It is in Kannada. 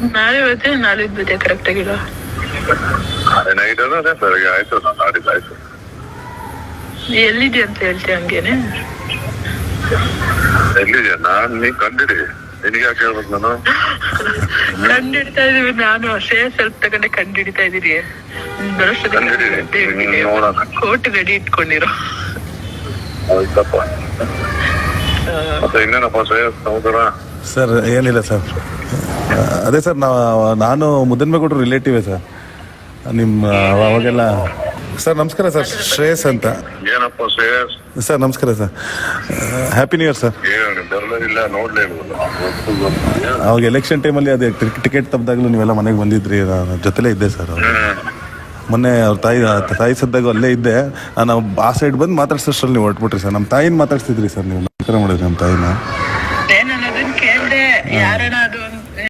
ನಾಳೆ ಬರ್ತೀನಿ, ನಾಳಿದ್ದು ಬಿದ್ದೆ ಕರೆಕ್ಟ್ ಆಗಿಲ್ಲ. ನೈಟ್ ಅದೇ ಸರ್ ಆಯ್ತು, ನಾಡಿದ್ದು ಆಯ್ತು. ಎಲ್ಲಿದೆ ಅಂತ ಹೇಳ್ತೀಯ ಹಂಗೇನೆ? ಎಲ್ಲಿದೆ ನಾನ್ ನೀ ಕಂಡಿಡಿ, ನಿನಗೆ ಯಾಕೆ ಹೇಳ್ಬೇಕು ನಾನು? ಕಂಡಿಡ್ತಾ ಇದೀವಿ, ನಾನು ಶ್ರೇಯ ಸ್ವಲ್ಪ ತಗೊಂಡೆ ಕಂಡಿಡ್ತಾ ಇದೀರಿ. ಕೋಟ್ ರೆಡಿ ಇಟ್ಕೊಂಡಿರೋ. ಆಯ್ತಪ್ಪ. ಮತ್ತೆ ಇನ್ನೇನಪ್ಪ ಶ್ರೇಯಸ್ ಸಹೋದರ? ಸರ್ ಏನಿಲ್ಲ ಸರ್, ಅದೇ ಸರ್ ನಾನು ಮುದ್ದನ್ಬೇಗೌಡರು ರಿಲೇಟಿವೇ ಸರ್ ನಿಮ್ಮ. ಅವಾಗೆಲ್ಲ ಸರ್ ನಮಸ್ಕಾರ ಸರ್, ಶ್ರೇಯಸ್ ಅಂತ. ಏನಪ್ಪ ಶ್ರೇಯಸ್? ಸರ್ ನಮಸ್ಕಾರ sir, happy new year sir. ಇಲ್ಲ ನೋಡ್ಲೇ ಇಲ್ವಲ್ಲ ಅವಾಗ ಎಲೆಕ್ಷನ್ ಟೈಮಲ್ಲಿ ಅದೇ ಟಿಕೆಟ್ ತಪ್ಪಿದಾಗಲೂ ನೀವೆಲ್ಲ ಮನೆಗೆ ಬಂದಿದ್ರಿ, ನಾನು ಜೊತೆಲೇ ಇದ್ದೆ ಸರ್. ಮೊನ್ನೆ ಅವ್ರ ತಾಯಿ ಸದ್ದಾಗ ಅಲ್ಲೇ ಇದ್ದೆ ನಾನು. ಆ ಸೈಡ್ ಬಂದು ಮಾತಾಡ್ಸೋಷ್ಟ್ರಲ್ಲಿ ನೀವು ಹೊರಟ್ಬಿಟ್ರಿ ಸರ್. ನಮ್ಮ ತಾಯಿನ ಮಾತಾಡ್ತಿದ್ರಿ ಸರ್, ನೀವು ನಮಸ್ಕಾರ ಮಾಡಿದ್ರಿ ನಮ್ಮ ತಾಯಿನ. ನಾನು ಅದನ್ನ ಕೇಳ್ದೆ, ಯಾರನ್ನ